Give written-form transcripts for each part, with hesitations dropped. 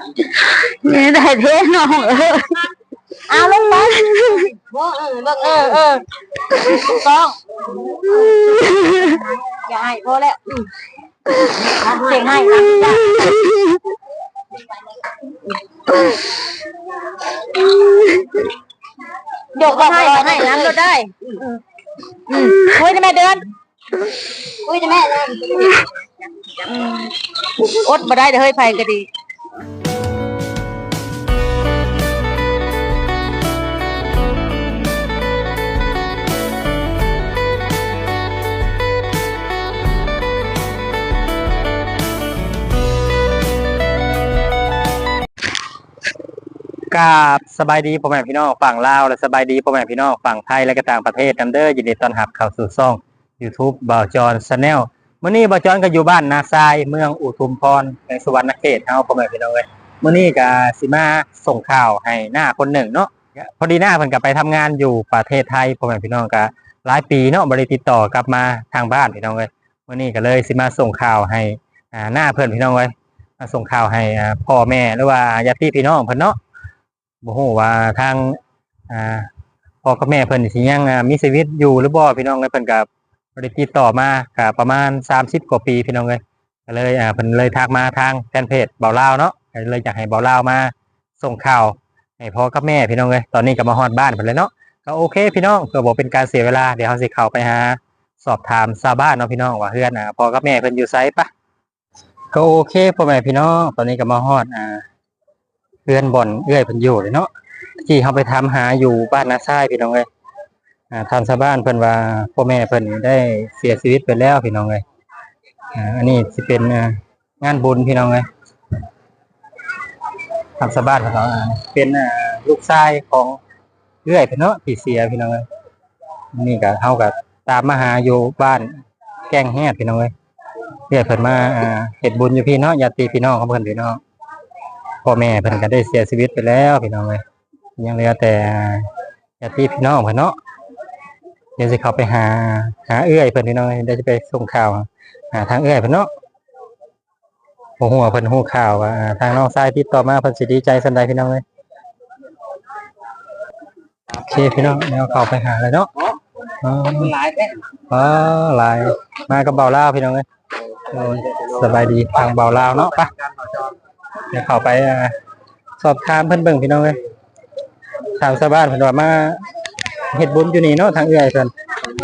นี่ได้เท่น้องเอาลงไปต้องอย่าให้พอแล้วเก่งให้เดี๋ยวก็ให้น้ำก็ได้คุยจะแม่เดินคุยจะแม่เดินอดมาได้เดี๋ยวเฮ้ยไฟก็ดีกราบสบายดีพ่อแม่พี่น้องฝั่งลาวและสบายดีพ่อแม่พี่น้องฝั่งไทยและก็ต่างประเทศนำเด้อยินดีต้อนรับเข้าสู่ช่อง YouTube บ่าวจอนชาแนลมื้อนี้บ่าวจอนก็อยู่บ้านนาทรายเมืองอุทุมพรในสวรรณเขตเฮาพ่อแม่พี่น้องเอ้ยมื้อนี้ก็สิมาส่งข่าวให้หน้าคนหนึ่งเนาะพอดีหน้าเพิ่นก็ไปทำงานอยู่ประเทศไทยพ่อแม่พี่น้องก็หลายปีเนาะบ่ได้ติดต่อกลับมาทางบ้านพี่น้องเอ้ยมื้อนี้ก็เลยสิมาส่งข่าวให้หน้าเพิ่นพี่น้องเอ้ยมาส่งข่าวให้พ่อแม่หรือว่าญาติพี่น้องเพิ่นเนาะบ่ฮู้ว่าทางพ่อกับแม่เพิ่นสิยังมีชีวิตอยู่หรือบ่พี่น้องเอ้ยเพิ่นก็บ่ได้ติดต่อมาก็ประมาณ30กว่าปีพี่น้องเอ้ยก็เลยเพิ่นเลยทักมาทางแฟนเพจเบาลาวเนาะก็เลยอยากให้เบาลาวมาส่งข่าวให้พ่อกับแม่พี่น้องเอ้ยตอนนี้ก็มาฮอดบ้านเพิ่นแล้วเนาะก็โอเคพี่น้องเพื่อบ่เป็นการเสียเวลาเดี๋ยวเฮาสิเข้าไปหาสอบถามชาวบ้านเนาะพี่น้องว่าเฮือนพ่อกับแม่เพิ่นอยู่ไสปะก็โอเคพ่อแม่พี่น้องตอนนี้ก็มาฮอดเพื่อนบ่อนเอื้อยเพิ่นอยู่เลยเนาะที่เขาไปทำหาอยู่บ้านนาทรายพี่น้องเอ้ยทางชาวบ้านเพิ่นว่าพ่อแม่เพิ่นได้เสียชีวิตไปแล้วพี่น้องเอ้ยอันนี้สิเป็นงานบุญพี่น้องเอ้ยทางชาวบ้านเพิ่นว่าเป็นลูกชายของเอื้อยเพิ่นเนาะที่เสียพี่น้องเอ้ยนี่ก็เฮาก็ตามมาหาอยู่บ้านแก้งแฮดพี่น้องเอ้ยเอื้อยเพิ่นมาเฮ็ดบุญอยู่พี่เนาะญาติพี่น้องของเพิ่นพี่น้องพ่อแม่เพิ่นก็ได้เสียชีวิตไปแล้วพี่น้องเอ้ยยังเหลือแต่ญาติพี่น้องเพิ่นเนาะเดี๋ยวสิเข้าไปหาเอื้อยเพิ่นพี่น้องเดี๋ยวจะไปส่งข่าวหาทางเอื้อยเพิ่นเนาะโอ้โหเพิ่นฮู้ข่าวว่าทางน้องชายติดต่อมาเพิ่นสิดีใจสันใดพี่น้องเอ้ยโอเคพี่น้องเดี๋ยวเข้าไปหาเลยเนาะหลายหลายมากับเบาลาวพี่น้องเอ้ยสบายดีทางเบาลาวเนาะไปเดี๋ยวเข้าไปสอบถามเพิ่นเบิ่งพี่น้องเอ้ยทางชาวบ้านเพิ่นว่ามาเฮ็ดบุญอยู่นี่เนาะทางเอื้อยเพิ่น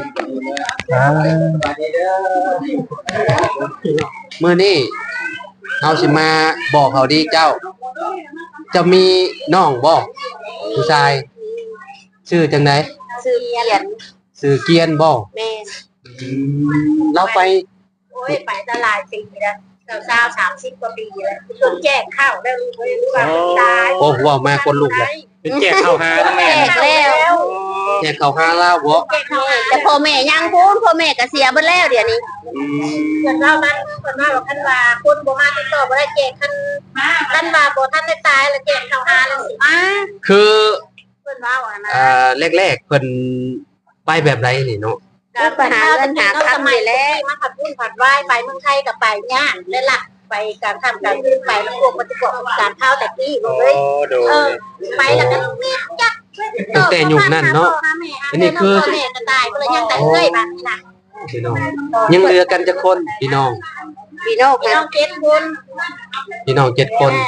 มื้อนี้เฮาสิมาบอกเขาดีเจ้าจะมีน้องบ่ผู้ชายชื่อจังได๋ซื้อเกียนชื่อเกียนบ่แม่เราไปโอ้ยไปตลาดปีแล้ว30กว่าปีแล้วจนแจกข้าวแล้วลูกเอ้ยว่าตายโอ้หัวมาคนลูกเลยเป็นแจกข้าวหาทั้งแม่แล้วแจกข้าวหาลาวบ่แต่พ่อแม่ยังพูนพ่อแม่ก็เสียเบิดแล้วเดี๋ยวนี้เพิ่นว่ามันเพิ่นว่าคันว่าคนบ่มาติดต่อบ่ได้แจกคันว่าบ่ทันได้ตายแล้วแจกข้าวหาแล้วสิมาคือเพิ่นว่าว่านะแรกๆเพิ่นไปแบบไรนี่เนาะก็ไปหาเงินหาคำนี่แหละมาผัดบุญผัดไหว้ไปเมืองไทยก็ไปย่างแล้วล่ะไปการทำการขึ้นไปแล้วพวกปฏิบัติการข้าวแต่กี้เลยไปแล้วก็มีจักตั้งแต่ยุคนั้นเนาะอันนี้คือแม่ก็ตายก็เลยยังแต่เอ้ยแบบนี้นะพี่น้องยังเหลือกันจะคนพี่น้อง 7 คนพี่น้อง7 คน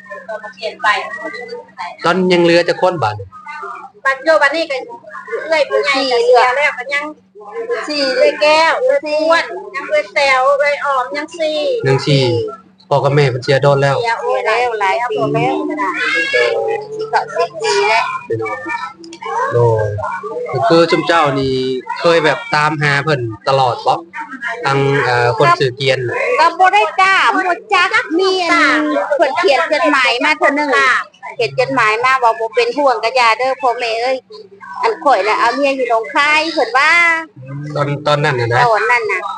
ตอนยังเหลือจะคนบัดโยบัดนี้ก็เอ้ยผู้ใหญ่ก็เสียแล้วก็ยัง4เลยแก้วเลยอ้วนยังเลยแซวเลยออมยัง 4พ่อกับแม่เพิ่นเสียโดนแล้วเสียโอ้ยแล้วหลายปีแล้วก็ได้ก็10 ปีแล้วโดยคือจุ่มเจ้านี่เคยแบบตามหาเพิ่นตลอดบ่ทางคนสื่อเกียนก็บ่ได้ตามบ่จักมีเพิ่นเขียนจดหมายมาเทื่อนึงเขียนจดหมายมาว่าบ่เป็นห่วงกะยาเด้อพ่อแม่เอ้ยอันข่อยน่ะเอาเมียอยู่หนองคายเพิ่นว่าตอนนั้นน่ะนะตอนนั้นน่ะ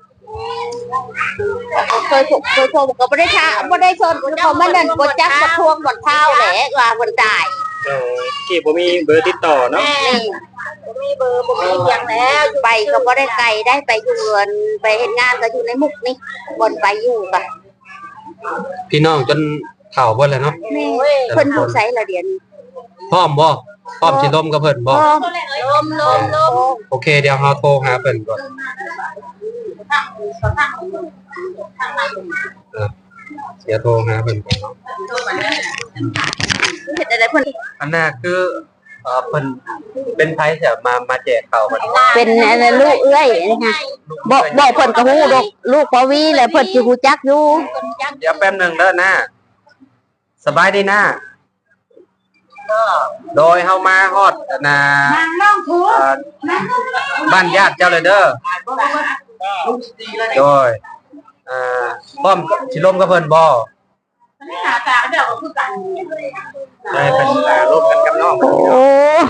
เคยโทรก็บ่ได้ท้าบ่ได้ชนเขามานั่นบ่จักบ่ทวงบ่เท้าแหละว่าเพิ่นตายที่บ่มีเบอร์ติดต่อเนาะบ่มีเบอร์บ่มีหยังแล้วไปก็บ่ได้ไกลได้ไปอยู่เรือนไปเฮ็ดงานก็อยู่ในมุกนี่บ่ไปอยู่ก็พี่น้องจนข่าวเบิ่นแล้วเนาะแม่เพิ่นอยู่ไสละเดี๋ยวนี้พร้อมบ่พร้อมสิล้มกับเพิ่นบ่ลมโอเคเดี๋ยวเฮาโทรหาเพิ่นก่อนเดี๋ยวโทรหาเพิ่นก่อนเนาะเฮ็ดอะไรเพิ่นอันน่ะคือเพิ่นเป็นไผจะมาแจกข้าวเพิ่นเป็นอะไรลูกเอ้ยนะคะบอกเพิ่นก็ฮู้ดอกลูกปวีแหละเพิ่นสิฮู้จักอยู่เดี๋ยวแป๊บหนึงเด้อนะสบายดีนะโดยเฮามาฮอดบ้านญาติเจ้าเลยเด้อโดยพร้อมสิล้มกับเพิ่นบ่ได้เป็นร่วมกันกับน้องโอ้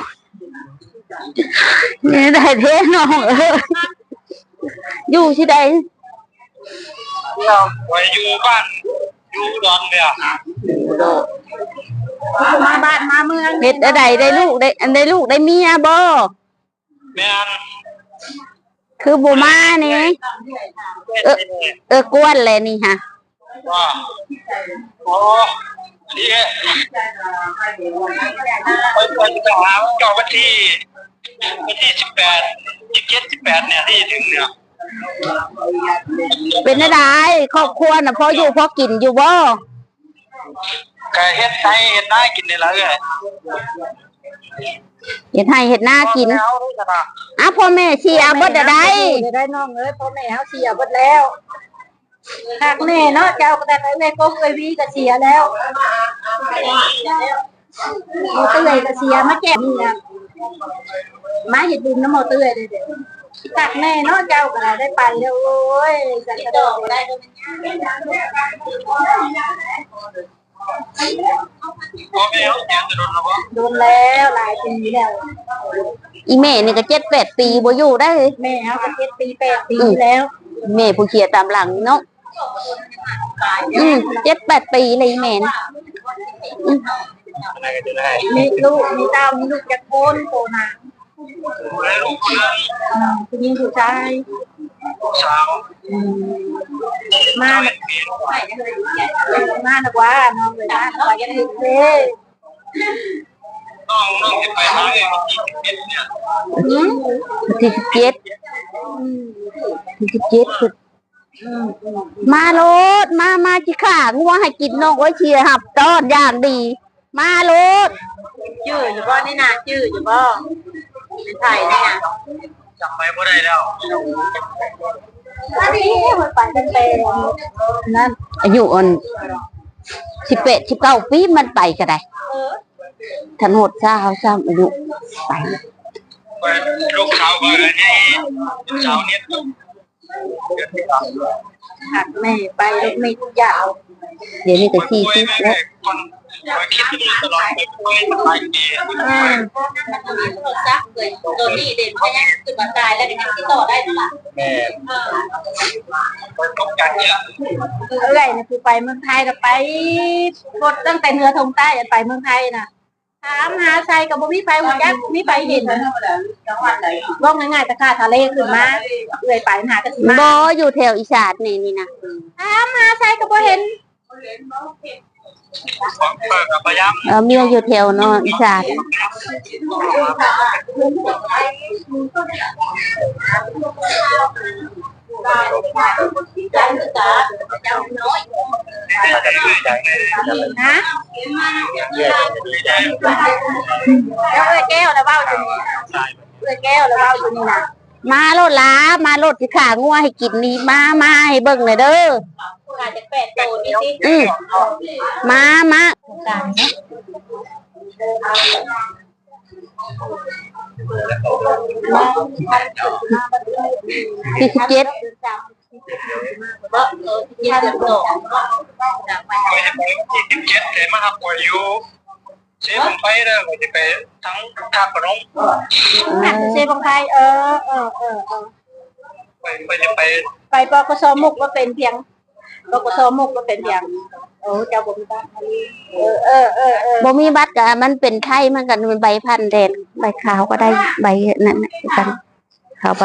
นี่ได้เท่น้องอยู่ที่ใดไว้อยู่บ้านอยู่ดอนเนี่ยมาบ้านมาเมืองเฮ็ดอะไรได้ลูกได้ลูกได้เมียบ่แม่นคือบ่มานี่กวนเลยนี่ฮะว่าโอ้นี่ไปหาเจ้าวันที่18 27 18เนี่ยที่ถึงเนี่ยเป็นอะไรครอบครัวน่ะพออยู่พอกินอยู่บ่ก็เฮ็ดให้เฮ็ดได้กินนี่ล่ะเอ้ยเฮ็ดให้เฮ็ดหน้ากินพ่อแม่เสียเบิดได้ได้น้องเอ้ยพ่อแม่เฮาเสียเบิดแล้วหักแม่เนาะเจ้าก็ได้แม่ก็เคยวีก็เสียแล้วหมอเตื้อยก็เสียมาแก้นี่นะมาเฮ็ดบุญน้ำหมอเตื้อยเด้อหักแม่เนาะเจ้าก็ได้ไปแล้วโอ้ยจักกระดอกได้พ่อแม่เฮาเสียจะโดนแล้วบ่โดนแล้วหลายปีแล้วอีแม่นี่ก็7-8 ปีบ่อยู่ได้แม่เฮาก็7 ปี 8 ปีแล้วแม่ผู้เขียตามหลังเนาะ7-8 ปีเลยแม่นมีลูกมีเต้ามีลูกจักคนโตนะผู้หญิงผู้ชายมานะว่าน้องเลยนะว่าจะถึงเด้น้องจะไปหาเอง27เนี่ยที่17คือมาโลดมาจิข่างัวให้กินน้องโอ้ยเชียร์หับต้อนอย่างดีมาโลดชื่ออยู่บ่นี่นะชื่ออยู่บ่เป็นไทยนี่นะจำไปบ่ได้แล้วมันไปเป็นนั่นอายุอ่อน18-19 ปีมันไปก็ได้ถนนซ่าเขาซ้ำอายุไปลูกสาวก็นี่ลูกสาวเนี่ยหักแม่ไปลูกไม่ยาวเดี๋ยวนี้ก็40แล้วคิดอยู่ตลอดไปหลายปีตัวนี้เด่นเพราะยังคือมันตายแล้วยังติดต่อได้ตลอดแม่ต้องการเยอะอะไรนะคือไปเมืองไทยก็ไปกดตั้งแต่เหนือทงใต้ไปเมืองไทยน่ะถามหาใส่กับบ่มีไฟหัวจักมีไฟเห็นว่าง่ายๆตะขาทะเลขึ้นมาเอื่อยไปหากันสิมาบ่อยู่แถวอีสานนี่นะถามหาใส่กับบ่เห็นเมียอยู่แถวเนาะอีสานนะแล้วแก้วแล้วเบ้าอยู่นี่แก้วแล้วเบ้าอยู่นี่นะมาโลดล้ามาโลดสิขางัวให้กินนี่มาให้เบิ่งหน่อยเด้ออาจจะ8 โตนี่สิมา47 แต่มาหักป่วยอยู่เสียผมไปแล้วจะไปทั้งทางขนมเสียของไทยไปจะไปปกสมุกก็เป็นเพียงปกสมุกก็เป็นเพียงโอ้เจ้าบ่มีบัตรบ่มีบัตรก็มันเป็นไทยมันกันเป็นใบพันแดงใบขาวก็ได้ใบนั่นกันขาวใบ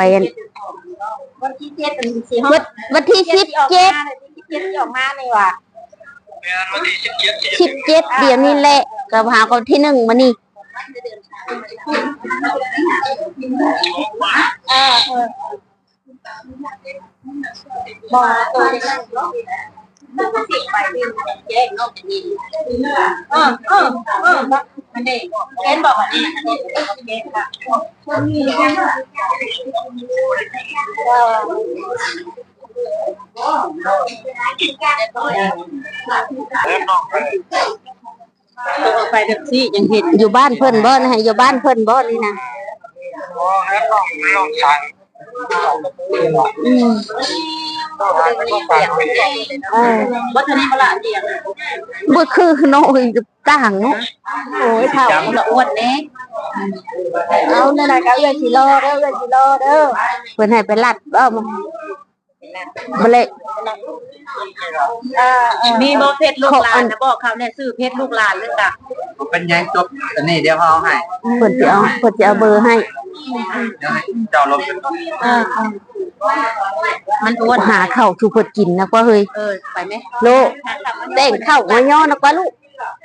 วันที่7วันที่17ที่ออกมาเลยว่ะ 17เดี๋ยวนี้แหละก็หาคนที่1มานี่บ่ตัวนี้มันก็สิไปที่แยกนอกนี่มันได้เห็นบอกว่านี่อันนี้แยกค่ะไปเด็กซี่ยังเห็นอยู่บ้านเพิ่นบ่นะฮะอยู่บ้านเพิ่นบ่นี่นะวัฒนีมาละเดียงบ่คือน้อยต่างเนาะโอ้ยเท่าละอ้วนเน่เอาเนี่ยนะก็เอื้อยสิรอเด้อเอื้อยสิรอเด้อเพิ่นให้ไปลัดเอามาบ่เลยมีบ่เพชรลูกหลานนะบอกเขาเนี่ยซื้อเพชรลูกหลานนึงจ้ะเป็นยังจบอันนี้เดี๋ยวเขาเอาให้เพิ่นสิเอาเบอร์ให้เดี๋ยวให้เจ้าลบเป็นมันอ้วนหาข้าวสู่เพิ่นกินนะกว่าเฮ้ยไปไหมโลแต่งข้าวหัวย่อนะกว่าลูก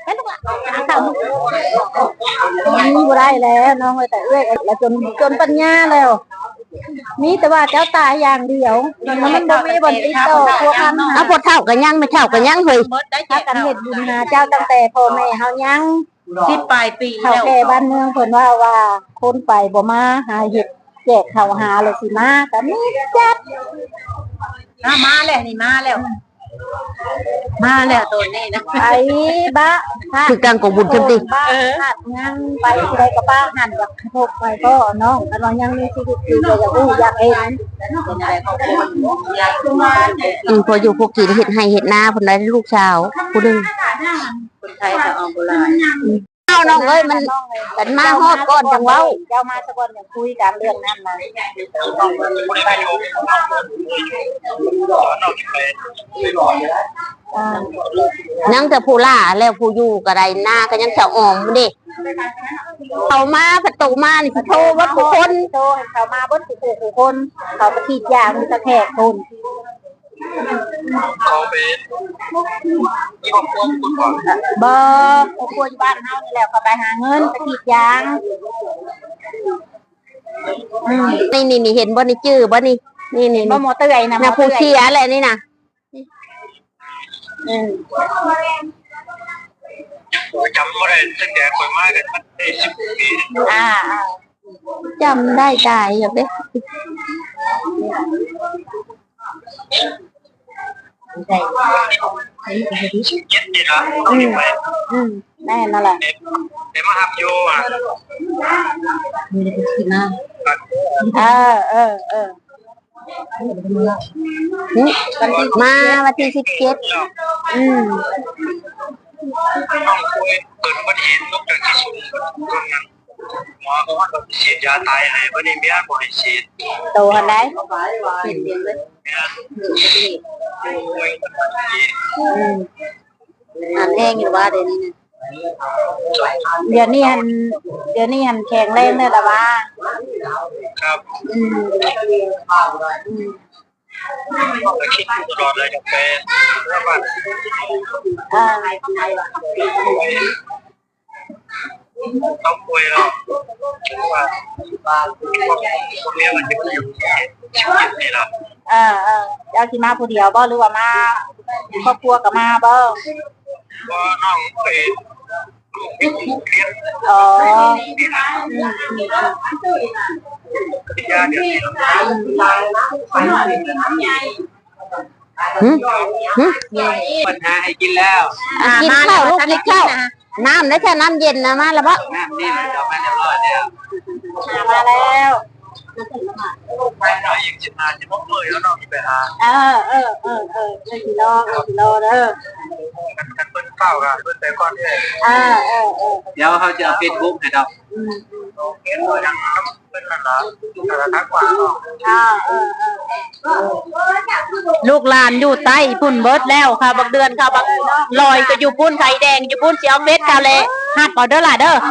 นี่บ่ได้แล้วน้องเอ้ยแต่เอื้อยแล้วจนปัญญาแล้วมีแต่ว่าเจ้าตายอย่างเดียวมันบ่มีบ่ติดต่อพวกนั้นเอาพอเท่ากันยังไม่เท่ากันยังเฮ้ยถ้ากันเฮ็ดบุญหาเจ้าตั้งแต่พ่อแม่เฮายัง10ปลายปีแล้วแก่บ้านเมืองเพิ่นว่าคนไปบ่มาหาเฮ็ดแจกข้าวหาเลยสิมาก็มีจัดมาแล้วนี่มาแล้วตัวนี้นะไปบ้าคือกลางของบุญจังติบ้าหัดยังไปที่ใดก็บ้าหันอยากพบไปก็น้องกันว่ายังมีชีวิตอยู่อยากรู้อยากเห็นเป็นอะไรของคนอยากรู้พออยู่พวกกินเฮ็ดให้เฮ็ดนาเพิ่นได้ลูกสาวผู้นึงคนไทยก็เอาโบราณเอาน้องเอ้ยมันกันมาฮอดก่อนจังเว้าเจ้ามาสักวันเนี่ยคุยกันเรื่องนั้นนะยังแต่ผู้ล่าแล้วผู้อยู่ก็ได้หน้าก็ยังจะออมบ่เด้เอามาประตูมานี่สิโทรว่าผู้คนโตเขามาเบิ้ลผู้คนเขาไปขีดยามีตะแคกคนเขาเป็นที่ผมควบคุมก่อนเบอร์ครอบครัวอยู่บ้านเฮานี่แหละเขาไปหาเงินไปขีดยางนี่เห็นบ่นี่จื้อบ่นี่นี่บ่หมอเตยนะนะผู้เสียแหละนี่นะจำไม่ได้ตั้งแต่เคยมากันมันได้10 ปีจำได้ตายอย่างเด้ 17นี่นะต้องมีไปแน่นั่นแหละเดี๋ยวมาหับโยอ่ะมาวันที่17 ต้องคุยเกิดอุบัติเหตุตกจากที่สูงตรงนั้นหมอเขาว่าต้องฉีดยาตายให้วันนี้เมียบอกให้ฉีดโตหันได้เห็นเดียงเลยป่วยกันที่หันแห้งอยู่ว่าเดี๋ยวนี้นะเดี๋ยวนี้หันแข็งแรงเลยละว่าครับก็คิดตลอดเลยจะเป็นระบาดต้องคุยแล้วว่าคนนี้มันจะอยู่ชีวิตนี่แหละเจ้าที่มาผู้เดียวบ่หรือว่ามาครอบครัวกับมาบ่ว่าน้องไปลูกเป็นผู้เลี้ยงอ๋อที่ยาเดี๋ยวนี้ ปัญหาให้กินแล้วกินข้าวลูกกินข้าวน้ำได้แค่น้ำเย็นนะมาแล้วบ่น้ำนี่มันจะมาเรียบร้อยแล้วมาแล้วไปหน่อยยังจะมาจะมกเลยแล้วน้องไปหาเลยสิรอเด้อกันเปิ้ลเฝ้ากันเปิ้ลแต่ก่อนเนี่ย เดี๋ยวเขาจะเอาเฟซบุ๊กให้เราเขียนตัวอย่างเป็นนั่นละแต่ทักกว่าลูกหลานอยู่ใต้พุ่นเบิดแล้วค่ะบักเดือนค่ะบักลอยก็อยู่พุ่นไข่แดงอยู่พุ่นเสียวเม็ดค่ะเลยหัดก่อนเด้อล่ะเด้อ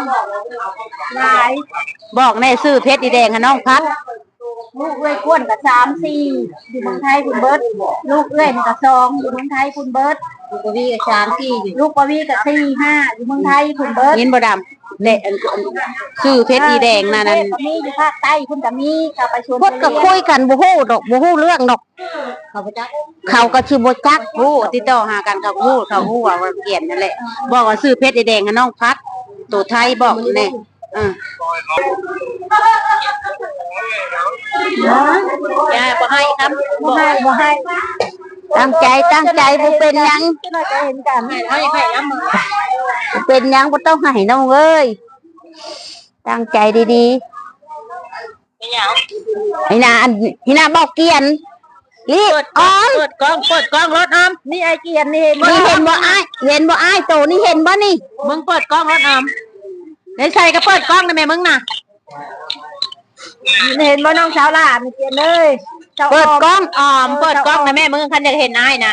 บอกแน่ซื้อเพชรดีแดงค่ะน้องพัดลูกเอ้ยก้วนกับ3-4อยู่เมืองไทยพุ่นเบิดลูกเอ้ยนี่กับ2อยู่เมืองไทยพุ่นเบิดลูกปวีกับ3 4อยู่ลูกปวีกับ4 5อยู่เมืองไทยคุณเบิร์ดเห็นบ่ดำเละชื่อเพชรอีแดงนั่นมีอยู่ภาคใต้คุณก็มีชาวประชาชนพดก็คุยกันบ่ฮู้ดอกบ่ฮู้เรื่องดอกเขาบ่จักเขาก็ชื่อบ่จักฮู้ติดต่อหากันเขาฮู้ว่าเกลียดนั่นแหละบอกว่าซื้อเพชรอีแดงกับน้องพัดตัวไทยบอกแน่อย่าบ่ให้ครับบ่ให้ตั้งใจบ่เป็นหยังเราจะเห็นกันให้น้ำมือเป็นหยังบ่ต้องให้น้องเอ้ยตั้งใจดีๆไอ้นาบอกเกียนลิอ้อมเปิดกล้องรถออมนี่ไอเกียนนี่เห็นนี่เห็นบ่อ้ายโตนี่เห็นบ่นี่มึงเปิดกล้องรถออมในใส่ก็เปิดกล้องนะแม่มึงน่ะเห็นบ่น้องสาวล่ะมีเกียนเลยเปิดกล้องออมเปิดกล้องนะแม่มึงคันอยากเห็นอ้ายนะ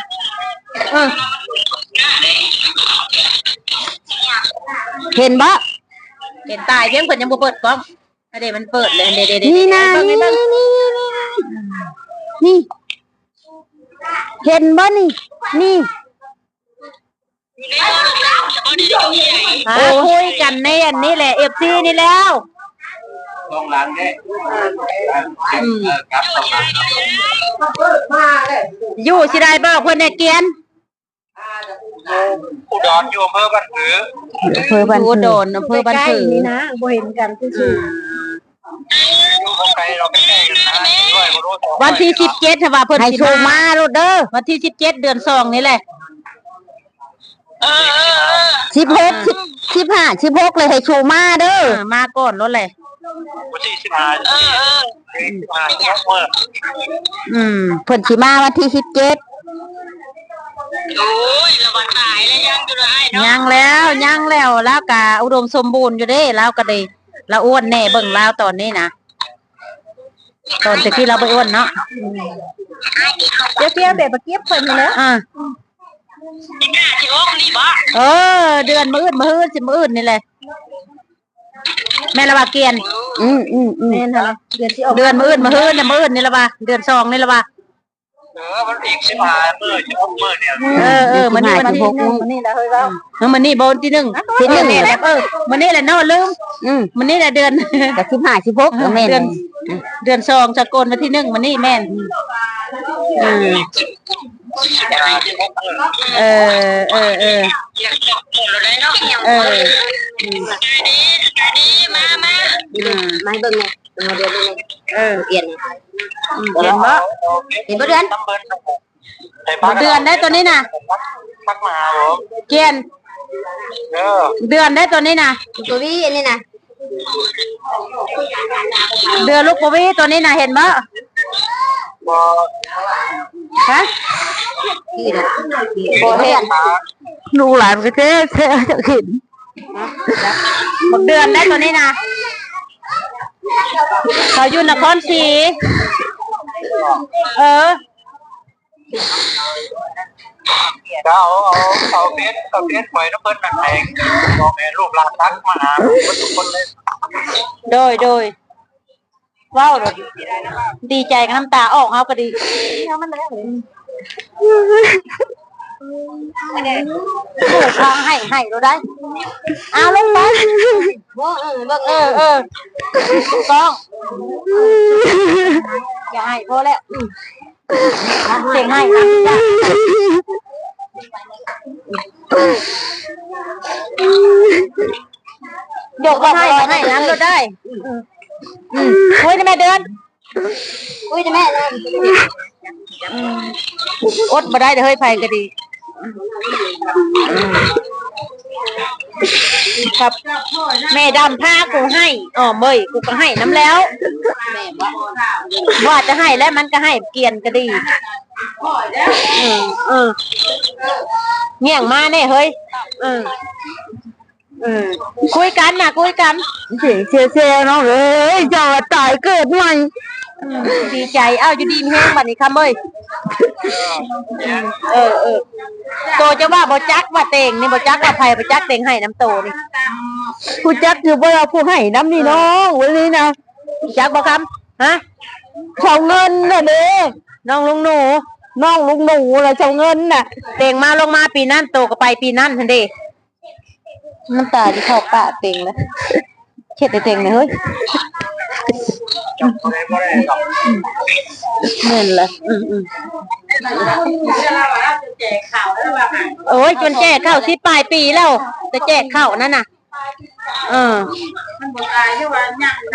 เห็นบ่เห็นตายเพียงเพิ่นยังบ่เปิดกล้องเดี๋ยวมันเปิดเลยเดี๋ยวนี่นะนี่เห็นบ่นี่คุยกันในอันนี้แหละ FC นี่แล้วต้องล้างเด้ครับต้องล้างอยู่สิได้บอกเพิ่นเนี่ยเกียนอุดรอยู่อำเภอบ้านผืออำเภอบ้านผือโดนอำเภอบ้านผือนี่นะบ่เห็นกันซื่อวันที่17ถ้าว่าเพิ่นให้โชว์มาโลดเด้อวันที่17เดือน2นี่แหละ 16เลยให้โชว์มาเด้อมาก่อนรถเลยวันที่15 เพิ่นสิมาวันที่17 โอ้ยละวันตายแล้วยังอยู่เลยยังแล้วก็อุดมสมบูรณ์อยู่เด้แล้วก็ได้ละอ้วนแน่เบิ่งแล้วตอนนี้นะตอนที่เราไปอ้วนเนาะเดี๋ยวแบบเก็บเพิ่นนี่แหละเดือนมื้ออื่นสิมื้ออื่นนี่แหละแม่ละว่าเกียนแม่นเหรอเดือนที่ออกเดือนมื้ออื่นนี่ละว่าเดือน2นี่ละว่ามันอีก15มื้อ16มื้อเนี่ยมันนี่วันที่1มันนี่แหละเฮ้ยว่ามันนี่บ่ที่1นี่แหละมันนี่แหละเนาะลืมมันนี่แหละเดือนก็15 16แม่นเดือน2สกลวันที่1มันนี่แม่นมาเบิ่งแม่เดือนนึงเปลี่ยนเห็นบ่เดือนได้ตัวนี้น่ะทักมาผมเกียนเดือนได้ตัวนี้น่ะตัวนี้อันนี้น่ะเดือนลูกปวีตัวนี้น่ะเห็นบ่ฮะบ่เห็นลูกหลานก็แท้จะเห็นเดือนได้ตัวนี้น่ะเขาอยู่นครศรีเอาเพชรหวยน้ำเพิ่นนั่นเองบอกแม่รูปร่างทักมาหาทุกคนเลยโดยว้าวดีใจกับน้ำตาออกเฮาก็ดีมันแล้วเขาให้เราได้เอาลงไปต้องอย่าให้พอแล้วเสียงให้ยกให้น้ำเราได้คุยนะแม่เดือนคุยนะแม่อดมาได้เดี๋ยวเฮ้ยไฟก็ดีครับแม่ดำผ้ากูให้เมยกูก็ให้น้ำแล้วว่าจะให้แล้วมันก็ให้เกียนก็ดีเงี้ยงมาเนี่ยเฮ้ยคุยกันเสียน้องเอ้ยจะตายเกิดใหม่ดีใจอยู่ดีแห้งบัดนี้คำเอ้ยโตจะว่าบ่จักว่าเต็งนี่บ่จักว่าไผบ่จักเต็งให้น้ำโตนี่ผู้จักอยู่บ่เอาผู้ให้น้ำนี่น้องวันนี้นะจักบ่คำฮะเขาเงินน่ะเด้น้องลุงหนูน้องลุงหนูแล้วเจ้าเงินน่ะเต่งมาลงมาปีนั้นโตก็ไปปีนั้นทันเดน้ำตาที่เข้าปากเต่งแล้วเช็ดเต่งเลยเฮ้ยเงินละโอ้ยจนแจกข้าว10 ปลายปีแล้วจะแจกข้าวนั่นน่ะมันบ่ตายใช่ว่าย่าง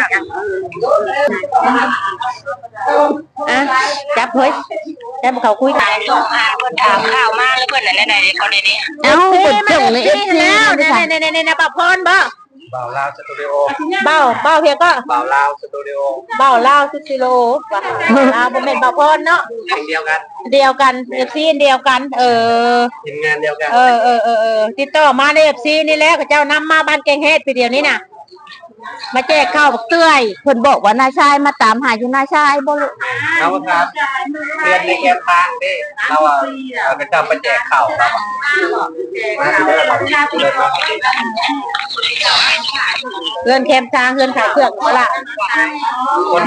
จับเฮ้ยจับเขาคุยกันถามข่าวมาแล้วเพิ่นอะไรไหนคนนี้เอ้าเพิ่นส่งใน FC แล้วในบ่าวพรบ่บ่าวลาวสตูดิโอบ่าวเพียก็บ่าวลาวสตูดิโอบ่าวลาวสตูดิโอลาวบ่แม่นบ่าวพรเนาะเดียวกัน FC เดียวกันทีมงานเดียวกันติดต่อมาใน FC นี่แหละเขาเจ้านำมาบ้านแกงเฮ็ดปีเดียวนี้น่ะมาแจกข้าวบักเตื้อยเพิ่นบอกว่านายชายมาตามหาอยู่นายชายบ่รู้ครับเรียนในแก้ทางนี่เราก็จะมาแจกข้าวครับเงินแคมทางเงินขายเครื่องละคน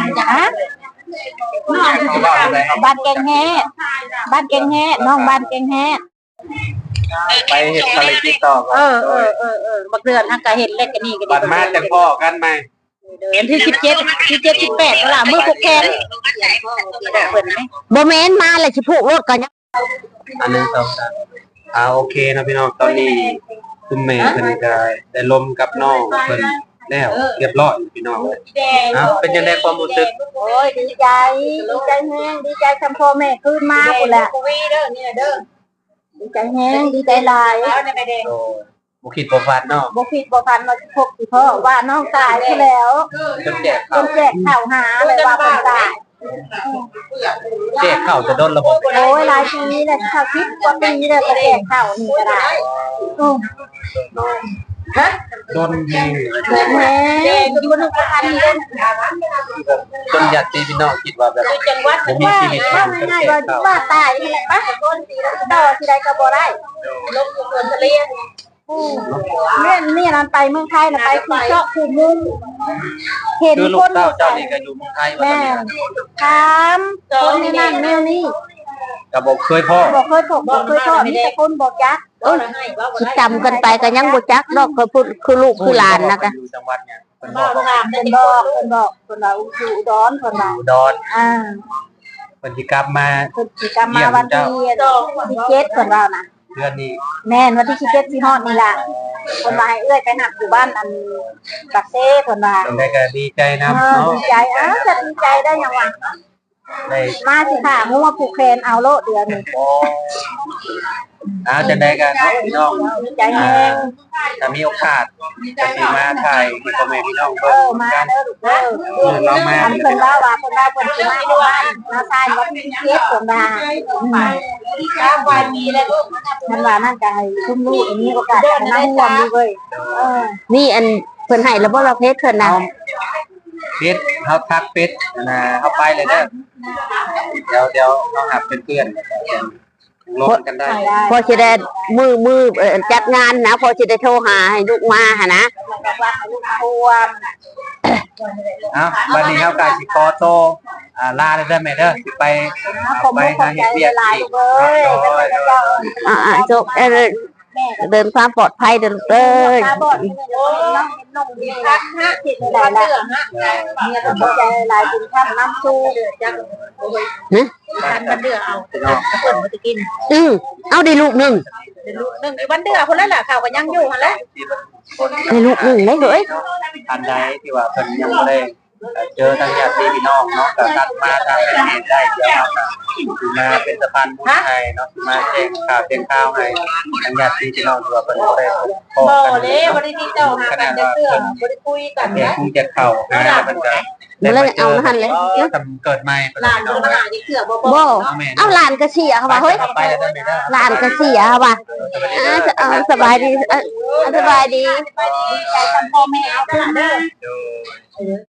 บ้านแกงแฮ่น้องบ้านแกงแฮ่ไปเห็ดอะไรติดต่อบักเดือนทางกะเห็ดเล็กกันนี่กันบันมาแต่พ่อกันไหมเดือนที่17 18ล่ะมือผูกแขนบ่แม่นมาเลยสิผูกรถก่อนอันนึง2 3โอเคนะพี่น้องตอนนี้คุณแม่เพิ่นก็ได้ลมกับน้องเพิ่นแล้วเรียบร้อยพี่น้องเป็นยังไงความรู้สึกโอ้ยดีใจแฮงดีใจทำพ่อแม่คืนมาพุ่นแหละดีใจแฮงดีใจหลายบ่คิดบ่ฝันเนาะบ่คิดบ่ฝันว่าพบสิพ่อว่าน้องตายไปแล้วจนแจกข้าวหาเลยว่าเพิ่นตายแจกข้าวจะโดนระบบโอ้ยหลายปีแล้วข้าว10 กว่าปีแล้วก็แจกข้าวนี่ก็ได้โดนแฮงอยู่บ่นึกว่าทันเล่นจนญาติพี่น้องคิดว่าแบบบ่มีชีวิตมันก็แจกข้าวว่าตายนี่แหละปะต้นสิดอกสิได้ก็บ่ได้ลงอยู่สวนทะเลนี่นั่นไปเมืองไทยน่ะไปคือเจาะคือมุงเห็นคนเจ้านี่ก็อยู่เมืองไทยว่าซั่นถามคนนี่นั่นแนวนี้ก็บ่เคยพ่อมีแต่คนบอกจักคิดจำกันไปก็ยังบ่จักดอกคือลูกคือหลานนะกะอยู่จังหวัดเนี่ยเพิ่นบอกเพิ่นว่าอยู่อุดรเพิ่นว่าอุดรเพิ่นสิกลับมาวันที่17เพิ่นว่านะเดือนนี้แม่นวันที่17สิฮอดนี่ล่ะเพิ่นว่าให้เอื้อยไปหักอยู่บ้านอันบักเซ่เพิ่นว่าจังได๋ก็ดีใจนำเนาะดีใจจะดีใจได้หยังวะมาสิค่ะงูมาผูกแขนเอาโลเดือนนี้จะได้กันพี่น้องใจแฮงถ้ามีโอกาสจะสิมาถ่ายให้พ่อแม่พี่น้องเบิ่งกันเรามาเพิ่นว่าเพิ่นสิมาอยู่บ้านมาทานวัดที่เฮ็ดเพิ่นว่าวันนี้แล้วลูกมันว่านั่นก็ให้ชุ่มลูกอันนี้โอกาสจะนั่งร่วมอยู่เว้ยนี่อันเพิ่นให้แล้วบ่เราเพชรเพิ่นน่ะเพชรเฮาทักเพชรนะเฮาไปเลยเด้อเดี๋ยวเฮาหาเพื่อนลงกันได้พอจะได้มือจัดงานนะพอจะได้โทรหาให้ลูกมาหะนะวันนี้เฮากะสิขอโตลาได้ไหมเด้อสิไปหาเฮ็ดเวียกอีกจบเดินความปลอดภัยเดินเลยลายกินข้าวน้ำซูจังวันเดือเอาเปิดมาจะกินเอาได้ลูกหนึ่งวันเดือคนนั้นแหละข่าวก็ยังอยู่คนละได้ลูกหนึ่งได้เลยอันใดที่ว่าเพิ่นยังบ่ได้เจอทางญาติพี่น้องเนาะก็ตัดมาทางประเทศได้เดี๋ยวมาเป็นสะพานบุญให้เนาะมาแจ้งข่าวให้ทางญาติพี่น้องตัวเพิ่นบ่ได้พบกันบ่ได้ติดต่อหากันจักเทื่อบ่ได้คุยกันนะคงจะเข้าหาเพิ่นก็แล้วเอาหั่นเลยเกิดใหม่หลานมาหาที่เทื่อบ่เอาหลานก็เสียค่ะว่าเฮ้ยหลานก็เสียค่ะว่าสบายดีใจทำพ่อแม่เอาเด้อ